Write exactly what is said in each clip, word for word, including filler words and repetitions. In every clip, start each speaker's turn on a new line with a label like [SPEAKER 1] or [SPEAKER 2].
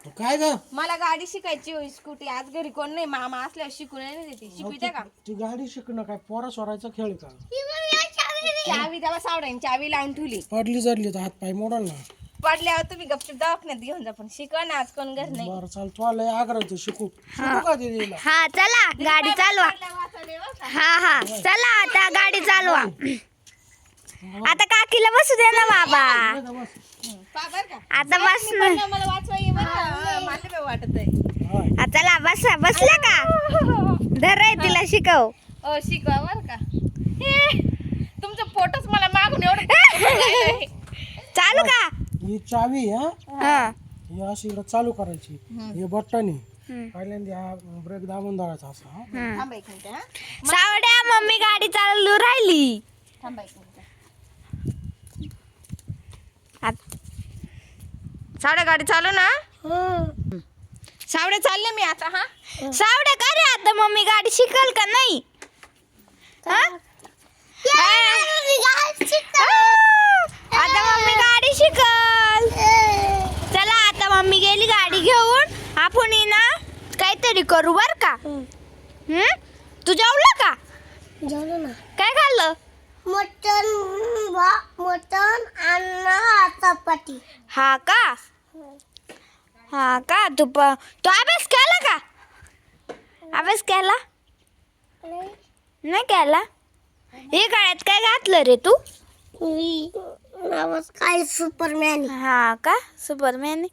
[SPEAKER 1] काय ग
[SPEAKER 2] मला गाडी शिकायची होई स्कूटी आज घरी कोण नाही मामा असल्यावर शिकून नाही देते शिकविते का
[SPEAKER 1] ती गाडी शिकणं काय पोरा सोरायचा खेळ का
[SPEAKER 2] चावी तेव्हा सावड्याने चावी लावून ठेवली
[SPEAKER 1] पडली जडली तर हात पाय मोडल ना
[SPEAKER 2] पडल्यावर तुम्ही गपचूप दवाखान्यात घेऊन जा पण शिकवा ना आज कोण घर नाही
[SPEAKER 1] बरं चाल तू लय आग्रह शिकू शिकू का दीदीला
[SPEAKER 3] हा चला गाडी चालवा हा हा चला आता गाडी चालवा आता काकीला बसू दे ना बाबा आता बस ना
[SPEAKER 2] मला वाचवा ये बरं का? मला काय वाटत आहे
[SPEAKER 3] हा, चला बस बसल्या का धर रे तिला शिकव
[SPEAKER 2] अ शिकवा बरं का हे, तुमचं फोटोच मला मागून एवढं
[SPEAKER 3] चालू का
[SPEAKER 1] ही चावी हा
[SPEAKER 3] हा
[SPEAKER 1] ही अशी इकडं चालू करायची हे बटन आहे पहिल्यांदा हा ब्रेक दाबून धरायचा असा हा.
[SPEAKER 2] थांबा एक मिनिट हा
[SPEAKER 3] सावड्या मम्मी गाडी चालू राहिली
[SPEAKER 2] थांबा एक मिनिट
[SPEAKER 3] आत-
[SPEAKER 2] साड्या गाडी चालू ना सावड्या चालले मी आता हा
[SPEAKER 3] सावड्या का रे आता मम्मी गाडी शिकल का नाही हा? आता मम्मी गाडी शिकल चला आता मम्मी गेली गाडी घेऊन आपण ये ना काहीतरी करू बर का हम्म तू जेवला का
[SPEAKER 4] जेवलो ना
[SPEAKER 3] काय खाल्लं
[SPEAKER 4] मटन मटन आणि चपाती
[SPEAKER 3] हा का हा का तू प तू अभ्यास केला का अभ्यास केला नाही केला हे काळ्यात काय घातलं रे तू
[SPEAKER 4] मी नावच काय सुपरमॅन
[SPEAKER 3] हा का सुपरमॅन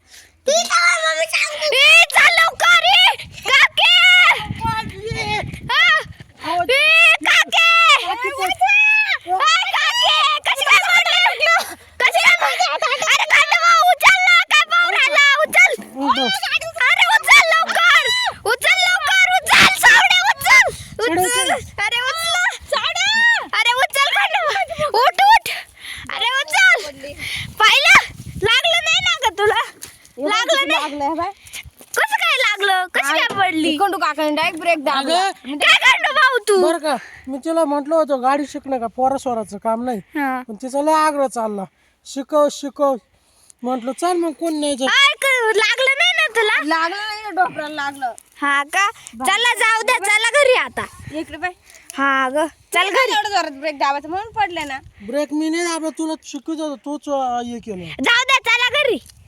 [SPEAKER 3] चाल लवकर ए, काके! हा! ए, काके! आ, काके! कशी काय पडली? कशी काय पडली? अरे कांदा भाऊ, उचल ना, काय पाहून राहिला? उचल! अरे उचल लवकर! उचल लवकर, उचल! सावड्या, उचल! उचल! अरे उचल! सावड्या! अरे उचल कांदा भाऊ! उठ, उठ! अरे उचल! पाहिलं? लागलं नाही ना ग तुला? लागलं नाही?
[SPEAKER 2] लागलं बाय
[SPEAKER 3] कसं काय लागलं कशी काय पडली
[SPEAKER 2] कोंडू काकाने डायरेक्ट ब्रेक दाबला
[SPEAKER 1] अगं
[SPEAKER 3] काय करतो भाऊ तू
[SPEAKER 1] बरं का मी तिला म्हटलं होतं गाडी शिकणं का पोरा सोराचं काम नाही
[SPEAKER 3] हा.
[SPEAKER 1] पण तिचा लय आग्रह चालला शिकव शिकव म्हटलं चल मग कोण नाही जात.
[SPEAKER 3] काय क- लागलं नाही ना तुला
[SPEAKER 2] लागलं नाही ना डॉक्टरला लागलं
[SPEAKER 3] हा का चला जाऊ द्या चला घरी आता
[SPEAKER 2] इकडे बाय
[SPEAKER 3] हा ग चल घरी
[SPEAKER 2] एवढं जोरात ब्रेक दाबायचं म्हणून पडले ना
[SPEAKER 1] ब्रेक मी नाही दाबला तुला शिकवत होतो तूच अं, हे केलं
[SPEAKER 3] जाऊ द्या चला घरी